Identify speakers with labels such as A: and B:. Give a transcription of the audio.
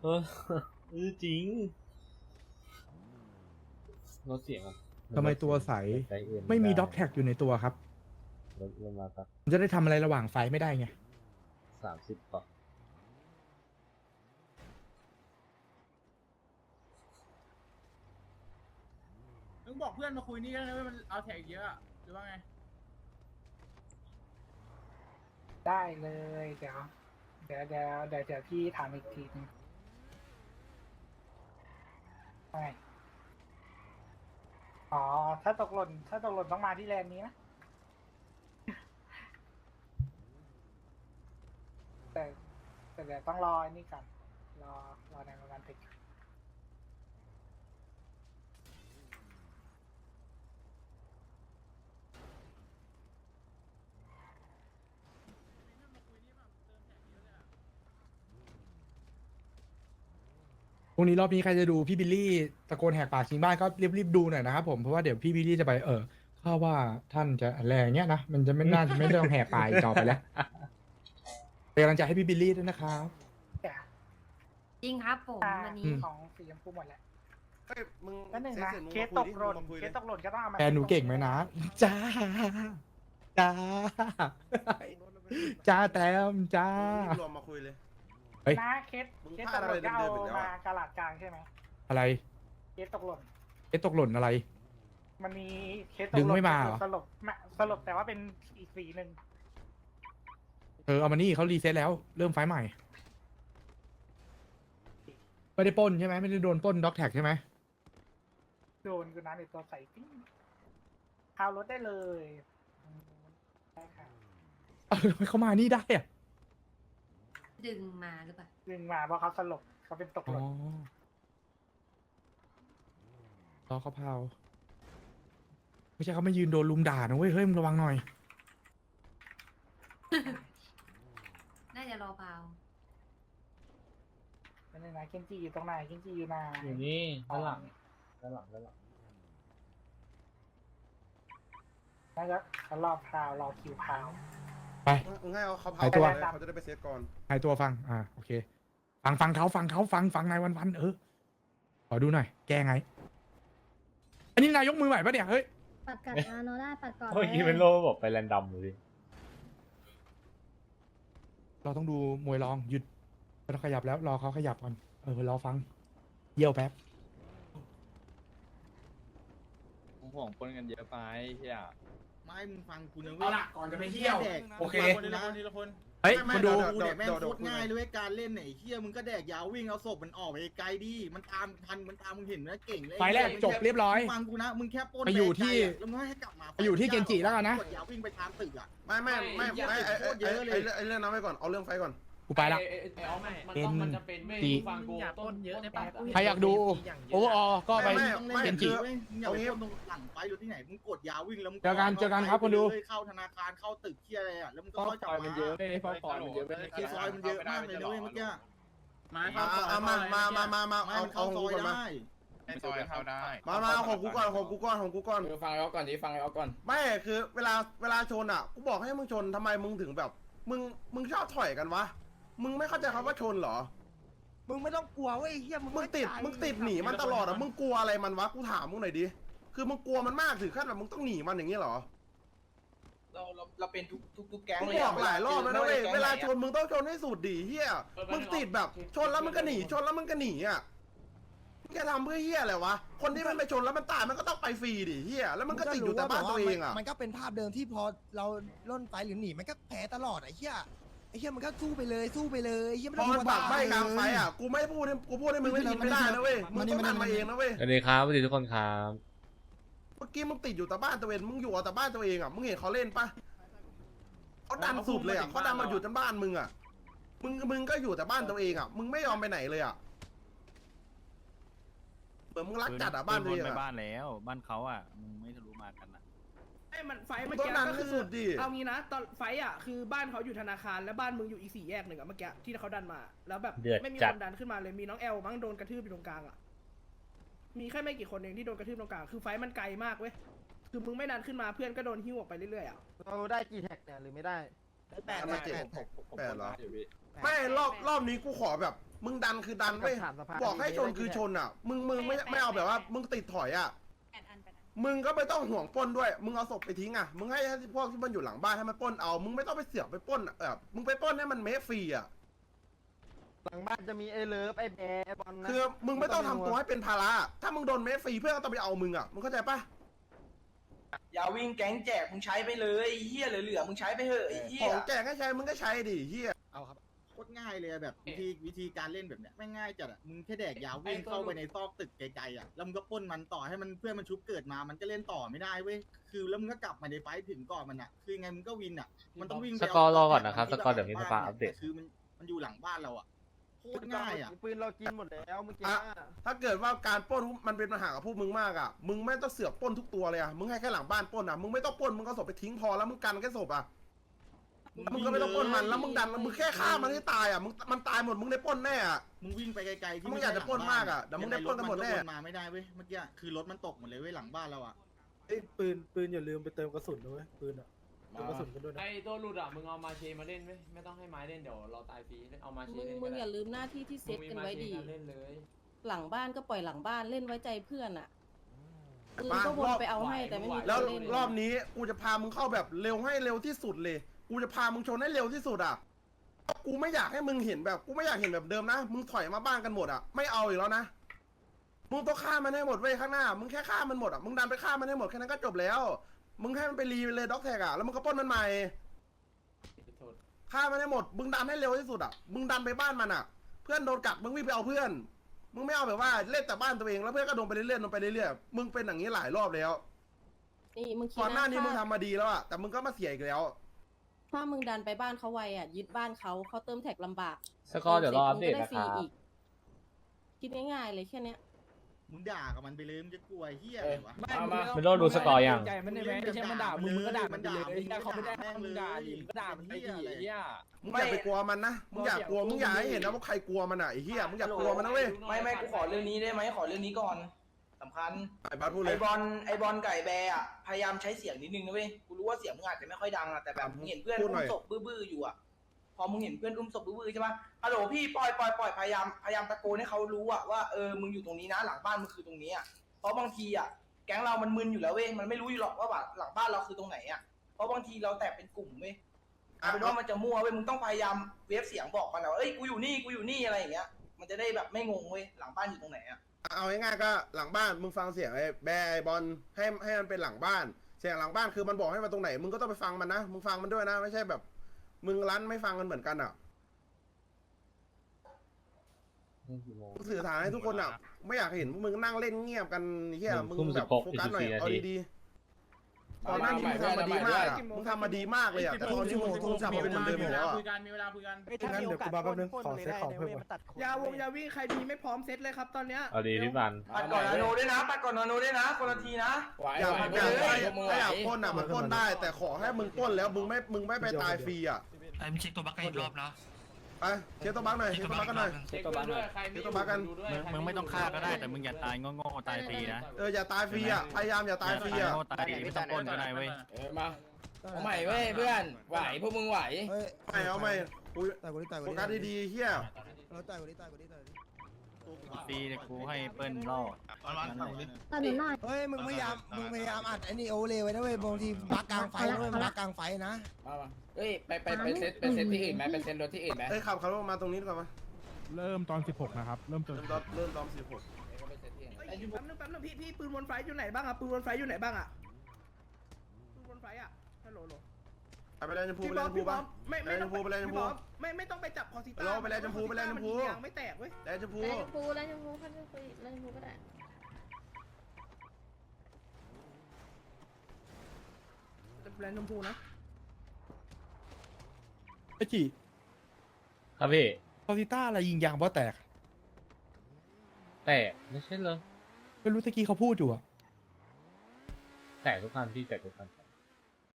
A: เออจริงรถเสียงอะ
B: ทำไมตัวใส
A: ใจเอื่น
B: ไม่มีด็อกแท็กอยู่ในตัวครับ
A: รถมาสัก
B: มันจะได้ทำอะไรระหว่างไฟไม่ได้ไง
A: 30ก่อน
C: มึงบอกเพื่อนมาคุยนี่ก็ได้ว่ามันเอาแท็กเยอะอะหรือว่าไง
D: ได้เลยเดี๋ยวพี่ถามอีกทีนึงไงอ๋อถ้าตกหล่นต้องมาที่แลนด์นี้นะแต่แต่เดี๋ยวต้องรออันนี้ก่อนรอในประมาณติด
B: พรุ่งนี้รอบนี้ใครจะดูพี่บิลลี่ตะโกนแหกปากชิงบ้านก็รีบดูหน่อยนะครับผมเพราะว่าเดี๋ยวพี่บิลลี่จะไปข้าว่าท่านจะอะไรอย่างเงี้ยนะมันจะไม่น่าจะไม่ต้องแหกปากอีกต่อไปแล้วเป็นกำลังใจให้พี่บิลลี่ด้วยนะครับ
D: แต่
E: จริงครับผมวันนี้
D: ของสีชมพูหมดแล้ว
F: เฮ้ยมึง
D: แล้วหนึ่ง
F: เซ็
D: นะ
F: สร็จมึง
D: เคส
F: มา
D: ต
F: คุย
D: กหล่น
F: ดิมึงมาคุย
D: เค
F: ดิ
D: สตกหล่นก็ต้องเอามา
B: แฟนหนูเก่งไหมนะ จ้า จ้า จ้าแต้มจ้า
F: มึงรวมมาคุยเลย
B: เฮ้ย
D: นะเคส
F: มึง
D: ต
F: พลาก ด
D: ห
F: อะไร
D: ล่นก็เอา
F: เดิมๆอีกแล้ว
D: มา
F: อะ
D: กระหลัดกลางใช่ไหม
B: อะไร
D: เคสตกหล่น
B: ตกหล่นอะไร
D: มันมีเคสตกหล่น
B: ดึงไม่มาเหรอ
D: สลบแต่ว่าเป็นอีกสีหนึ่ง
B: เอามานี่เขารีเซ็ตแล้ว เริ่มไฟล์ใหม่ ไม่ได้ปล้นใช่ไหมไม่ได้โดนปล้นด็อกแท็กใช่ไหม
D: โดนกูนะในตัวใส่ปิ้งพาวรถได้เลยได้ค่ะ
B: ทำไมเขามานี่ได้อะ
E: ดึงมาหรือเปล่า
D: ดึงมาเพราะเขาสลบเขาเป็นตก
B: อ๋
D: ห
B: อ
D: ล่น
B: รอเขาพาวไม่ใช่เขาไม่ยืนโดนลุมด่านะเว้ยเฮ้ยมึงระวังหน่อย
E: น่าจะรอเปล่า
D: นั่นเลยนะเคนจิอยู่ตรงไหนเคนจิอยู่ไหน
A: อยู่นี่ด้านหลังด้านหลัง
D: น่าจะเขารอพาวรอคิวพาว
B: ไป
F: มึงให้เขาเผา
B: หายตัว
F: เลยเขาจะได้ไปเซตก่อน
B: หายตัวฟังโอเค ฟังเขาฟังนายวันขอดูหน่อย แกไง อันนี้นายยกมือใหม่ปะเนี่ย เฮ้ย
G: ปัดกัดนาโนได้ปัดก่อน
A: เมื่อกี้เป็นโลบอกไปแรนดอมเลย
B: เราต้องดูมวยรองหยุดไม่ต้องขยับแล้ว รอเขาขยับก่อนรอฟัง เยี่ยวแป๊บ
H: ห่วงปนกันเยอะไปเฮีย
C: ไม่มึงฟังกูนะเว้
D: เอา
C: ย
D: ละก่อนจะไปเที่ยว
C: แดก
B: โอเค
C: ทีละคนทีละคน
B: เฮ้ย
F: ไม่
B: มาดู
C: กูแดกแม่งโคตรง่ายเลยเว้ยการเล่นไหนเฮียมึงก็แดกยาววิ่งเอาศพมันออกไปไกลดิมันตามทันมันตามมึงเห็นนะเก่งเลย
B: ไฟล์แรกจบเรียบร้อย
C: ฟังกูนะมึงแค่ปล้น
B: ไปอยู่ที่
C: แล้วมึงให้กลับมา
B: ไปอยู่ที่เกนจิแล้วกันนะ
C: กดยาววิ่งไปตามตึกอ่ะ
F: ไม่ไอ้เรื่องนั้นไว้ก่อนเอาเรื่องไฟก่อน
B: กูไปละ
I: มันจะเป็นไม่
B: จี
I: ฟังกูต้นเยอะในปาก
B: ใครอยากดูโอเวอร์ออก็ไป
C: ต้องเล่น
B: เกนจิ
C: เว้ยมึงอย่าไปปล้นตรงหลังไฟหรือที่ไหนมึงกดยาววิ่งแล้วมึง
B: เจอกันครับคนดู
C: เข้าธนาคารเข้าตึกเที่ยอะไรอ่ะแล้วมึงก็เข้าจับมา
H: ไม่ได้ฟอร์มันเยอะไม่ได้
C: ซอยมันเยอะมากเลยนะเว้ยเมื่อกี้
F: มาเอา
C: ไม่
F: เอา
C: มันเข้าซอย
F: ก่อนมา
C: ได้
H: ในซอยเข้าได้
F: มาของกูก่อนของกูก่อน
H: ฟังเอาก่อนดิฟังเอาก่อน
F: ไม่คือเวลาชนอ่ะกูบอกให้มึงชนทำไมมึงถึงแบบ มึงชอบถอยกันวะมึงไม่เข้าใจคำว่าชนเหรอ
I: มึงไม่ต้องกลัวเว้ยเฮียมึง
F: มึงติดหนีมันตลอดอ่ะมึงกลัวอะไรมันวะกูถามมึงหน่อยดิคือมึงกลัวมันมากถึงขั้นแบบมึงต้องหนีมันอย่างนี้เหรอ
I: เราเป็นทุกแก๊ง
F: มึง
I: เลย
F: บอกหลายรอบแล้วนะเว้ยเวลาชนมึงต้องชนให้สุดดิเฮียมึงติดแบบชนแล้วมึงก็หนีชนแล้วมึงก็หนีอ่ะมึงจะทำเพื่อเฮียอะไรวะคนที่มันไปชนแล้วมันตายมันก็ต้องไปฟรีดิเฮียแล้วมันก็ติดอยู่แต่บ้านตัวเองอ่ะ
I: มันก็เป็นภาพเดิมที่พอเราล่นไปหรือหนีมันก็แพ้ตลอดไอ้เฮียมันก็สู้ไปเลยเฮียไม่
F: พ
I: ต้
F: อ
I: อง
F: มันปากใบกลางไฟอ่ะกูไม่พูดให้มึงไม่ยินไม่ได้นะเว้ยมึงต้องทำมาเองนะเว้ย
A: สวัสดีครับสวัสดีทุกคนครับ
F: เมื่อกี้มึงติดอยู่แต่บ้านตัวเองมึงอยู่แต่บ้านตัวเองอ่ะมึงเห็นเขาเล่นปะเขาดันสุดเลยอ่ะเขาดันมาอยู่แต่บ้านมึงอ่ะมึงก็อยู่แต่บ้านตัวเองอ่ะมึงไม่ยอมไปไหนเลยอ่ะเหมือนมึงรักจัดอ่ะบ้านตัวเองอ่ะ
H: บ้านแล้วบ้านเขาอ่ะมึงไม่ทะลุมากันนะ
J: ไอ้มันไฟเมื่อ
F: ต้น
J: กี้
F: นั้น
J: ก็
F: คือ
J: คือ
F: สุดดิ
J: เอางี้นะตอนไฟอ่ะคือบ้านเขาอยู่ธนาคารและบ้านมึงอยู่อีก4 แยกหนึ่งอะเมื่อกี้ที่เขาดันมา แล้วแบบ
A: เดือด
J: ไม่มี
A: จั
J: ค
A: ด
J: นดันขึ้นมาเลยมีน้องแอลมั้งโดนกระทืบอยู่ตรงกลางอ่ะมีแค่ไม่กี่คนเองที่โดนกระทืบตรงกลางคือไฟมันไกลมากเว้ยคือมึงไม่ดันขึ้นมาเพื่อนก็โดนหิ้วออกไปเรื่อยๆอ่ะ
I: เราได้กี่แท็กเนี่ยหรือไม่ได้แปด
F: มาเจ็ด
I: แปด
F: แปดเหรอไม่รอบนี้กูขอแบบมึงดันคือดันเว้ยบอกให้ชนคือชนอ่ะมึงไม่เอาแบบว่ามึงติดถอยอ่ะมึงก็ไม่ต้องห่วงปล้นด้วยมึงเอาศพไปทิ้งอ่ะมึงให้พวกที่มันอยู่หลังบ้านให้มันปล้นเอามึงไม่ต้องไปเสือกไปปล้นมึงไปปล้นให้มันเมฟฟรีอ่ะ
H: หลังบ้านจะมีไอ้เลิฟไอ้แบร์ไอ้บอลนะ
F: คือมึงไม่ต้องทำตัวให้เป็นภาระถ้ามึงโดนเมฟฟรีเพื่อนก็ต้องไปเอามึงอ่ะมึงเข้าใจปะ
H: อย่าวิ่งแก๊งแจกมึงใช้ไปเลยเฮียเหลือมึงใช้ไปเถอะไอ้เฮี
F: ข
H: ย
F: องแจกให้ใช้มึงก็ใช้ดิเฮีย
I: เอาครับ
C: โคตรง่ายเลยแบบวิธีการเล่นแบบเนี้ยไม่ง่ายจัดอ่ะมึงแค่แดกยาววิ่งเข้าไปในซอกตึกไกลๆอ่ะแล้วมึงก็ปล้นมันต่อให้มันเพื่อนมันชุบเกิดมามันก็เล่นต่อไม่ได้เว้ยคือแล้วมึงก็กลับมาในไฟท์ถึงก่อนมันอ่ะคือไงมึงก็วินอ่ะมันต้องวิ่งไป
A: สกอร์รอก่อนนะครับสกอร์เดี๋ยวมีสภาอัปเดต
C: คือมันอยู่หลังบ้านเราอ่ะโคตรง่ายอ่ะ
H: ปืนเรากินหมดแล้วเมื่อกี้
F: ถ้าเกิดว่าการปล้นมันเป็นปัญหากับพวกมึงมากอ่ะมึงไม่ต้องเสือกปล้นทุกตัวเลยอ่ะมึงให้แค่หลังบ้านปล้นอ่ะมึงไม่ต้องปล้นมึงก็ศพไปทิ้งพอแล้วมึงกันแค่ศพอ่ะมึงก็ไม่ต้องปล้นมันแล้วมึงดันมึงแค่ฆ่ามันให้ตายอ่ะมันตายหมดมึงได้ปล้นแน่อ่ะ
C: มึงวิ่งไปไกลๆที่
F: มึงอยากจะปล้นมากอะเดี๋ยวมึงได้ปล้นกันหมดแน่
C: ยังไงรถมันก็วนมาไม่ได้เว้ยเมื่อกี้คือรถมันตกหมดเลยเว้ยหลังบ้านเราอ่ะ
J: ปืนอย่าลืมไปเติมกระสุนด้วยปืนอ่ะเติมกระสุนกันด้วยนะ
K: ไอ้ตัวหลุดอ่ะมึงเอามาเชมาเล่นไหมไม่ต้องให้ไม้เล่นเดี๋ยวเราตายฟรีเอามาเชเล่น
L: มึงอย่าลืมหน้าที่ที่เซตกันไว้ดี
K: เล่นเลย
L: หลังบ้านก็ปล่อยหลังบ้านเล่นไว้ใจเพื่อนอ่ะปืน
F: มา
L: ก็วนไปเอาให้แต่ไม่มี
F: แล้ว
L: คนเล่น
F: รอบนี้กูจะพามึงเข้าแบบเร็วให้เร็วที่สุดเลยกูจะพามึงชนให้เร็วที่สุดอ่ะกูไม่อยากให้มึงเห็นแบบกูไม่อยากเห็นแบบเดิมนะมึงถอยมาบ้านกันหมดอ่ะไม่เอาอีกแล้วนะมึงต้องฆ่ามันให้หมดเว้ยข้างหน้ามึงแค่ฆ่ามันหมดอ่ะมึงดันไปฆ่ามันให้หมดแค่นั้นก็จบแล้วมึงให้มันไปรีเลยด็อกแท็กอ่ะแล้วมึงก็ปล้นมันใหม่ฆ่ามันให้หมดมึงดันให้เร็วที่สุดอ่ะมึงดันไปบ้านมันอ่ะเพื่อนโดนกัดมึงวิ่งไปเอาเพื่อนมึงไม่เอาแบบว่าเล่นแต่บ้านตัวเองแล้วเพื่อนก็โดนไปเรื่อยๆโดนไปเรื่อยๆมึงเป็นอย่างนี้หลายรอบแล้ว
L: นี่มึงคิด
F: ก่อนหน้านี้มึง
L: ถ้
F: ทำมาดีแล้วอ่ะแต่มึงก็มาเสียอีกแล้ว
L: ถ้ามึงดันไปบ้านเขาไวอ่ะยึดบ้านเขาเติมแท็กลำบาก
A: สกอร์เดี๋ยวรออัปเดต
L: มึงก็
A: นะ
L: ฟ
A: ค
L: รี
A: รับ
L: อีกคิดง่ายๆเลยแค่เนี้ย
C: มึงด่ากับมันไปเลยมึงจะกลัวเฮียอะไรวะ
A: ไม่ต้องดูสกอร์ยัง
C: ใจมันได้ไหมไม่ใช่มันด่ามึงก็ด่ามันไปเลยเขาไม่ได้มึงด่าดิมึงก็ด่ามันไปดิเฮีย
F: มึงอย่าไปกลัวมันนะมึงอย่ากลัวมึงอย่าให้เห็นนะว่าใครกลัวมันอ่ะไอ้เหี้ยมึงอย่ากลัวมันนะเว้ย
H: ไม่กูขอเรื่องนี้ได้ไหมขอเรื่องนี้ก่อนสำคัญ
F: ไอ้บัสพูดเล
H: ไอย บอลไก่แบร์อ่ะพยายามใช้เสียงนิดนึงนะเว้ยกูรู้ว่าเสียงมึงอาจจะไม่ค่อยดังอ่ะแต่แบบมึงเห็นเพื่อนอุ้มศพบื้อๆอยู่อ่ะพอมึงเห็นเพื่อนอุ้มศพบื้อๆใช่ปะฮัลโหลพี่ปล่อยพยายามตะโกนให้เขารู้อ่ะว่ามึงอยู่ตรงนี้นะหลังบ้านมึงคือตรงนี้อ่ะเพราะบางทีอ่ะแก๊งเรามันมึนอยู่แล้วเว้ยมันไม่รู้อยู่หรอกว่าหลังบ้านเราคือตรงไหนอ่ะเพราะบางทีเราแตกเป็นกลุ่มเว้ยเอาเป็นว่ามันจะมั่วเว้ยมึงต้องพยายามเวฟเสียงบอกมันว่าเอ้ยกูอยู่นี่อะไรอย่างเงี้ยมันจะได้แบบไม่งงเว้ยหลังบ้านอยู่ตรงไหนอ่ะ
F: เอาง่ายๆก็หลังบ้านมึงฟังเสียงไอ้แบร์ไอ้บอลให้มันเป็นหลังบ้านเสียงหลังบ้านคือมันบอกให้มาตรงไหนมึงก็ต้องไปฟังมันนะมึงฟังมันด้วยนะไม่ใช่แบบมึงรั้นไม่ฟังกันเหมือนกันอ่ะกูสื่อสารให้ทุกคนอ่ะไม่อยากเห็นพวกมึงนั่งเล่นเงียบกันเฮียมึงแบบโฟกัสหน่อยเอาดีๆตอนหน้านี้มึงทำมาดีมากอ่ะมึงทำมาดีมากเลยอ่ะแต่ตอนนี้มึงทำมาเป็นเหมือนเดิมอยู่แล้วอ่ะ
J: งั้นเดี๋ยวกูมาแป๊บนึงขอเซ็ตของเพิ่มยาวิ่งใครมีไม่พร้อมเซ็ตเลยครับตอนเนี้ย
A: เอาดีพี่บัน
H: ปัดก่อนนาโนด้วยนะปัดก่อนนาโนด้วยนะคนละทีนะ
F: อยากถ้าอยากปล้นอ่ะมันปล้นได้ แต่ขอให้มึงปล้นแล้วมึงไม่ไปตายฟรีอ่ะ
K: ไอ้มึงเช็คตัวบั๊กอีกรอบนะ
F: ไปเช็คตัวบั๊กหน่อยเช็คตัวบั๊กกันหน่อย
K: เช็คตัวบั๊กด้วยใครไม่ดูด้วย
H: มึงไม่ต้องฆ่าก็ได้แต่มึงอย่าตายโง่ๆตายฟรีนะ
F: อย่าตายฟรีอ่ะพยายามอย่าตายฟรีอ่ะ
H: ตายฟรีไม่ต้องปล้นก็ได้เว้ย
K: มาเอาใหม่เว้ยเพื่อนไหวพวกมึงไหว
I: เฮ้ย
F: ไม่เอาไม่กู
I: ตายกว่านี้ตายก
F: โฟ
I: ว่านี้
F: กัสดีๆเฮีย
I: เราตายกว่านี้ตายกว่านี้ตายกว่านี้
H: ฟรีแต่กูให้เปิ้ลล่อ
G: ตอนหนูหน่อย
I: เฮ้ยมึงพยายามอัดไอ้นี่โอเลไว้นะเว้ยบางทีบักกลางไฟนะเว้ยบักกลางไฟนะ
K: มาเฮ้ยไปเซตที่อื่นไหมไปเซตรถที่อื่นไหม
F: ขับรถมาตรงนี้ดีกว่าปะ
B: เริ่มตอน 16 นะครับ เริ่มตอน
F: เริ่มตอน16
J: แป๊บนึงพี่ปืนวนไฟอยู่ไหนบ้างอะปืนวนไฟอยู่ไหนบ้างอะปืนวนไฟอะฮัลโหล
F: ไปเลยชมพูไปเลยชมพูปะ
J: ไม่ต้องไปจับคอสิต้า
F: ไปเลยชมพูไปเลยชมพู
J: ยางไม่แตกเว้ย
F: แล้วชมพู
G: แล้วชมพูแล้วชมพูเขาจะคุยแล้วชมพูก็ได้
J: แลนชมพูนะ
B: ไอ้จี
A: ครับพี่
B: คอซิต้าอะไรยิงยางเพราะแตก
A: แต่ไม่ใช่เลย
B: ไม่รู้ตะกี้เขาพูดอยู่อะ
A: แต่ทุกคันพี่แต่ทุกคัน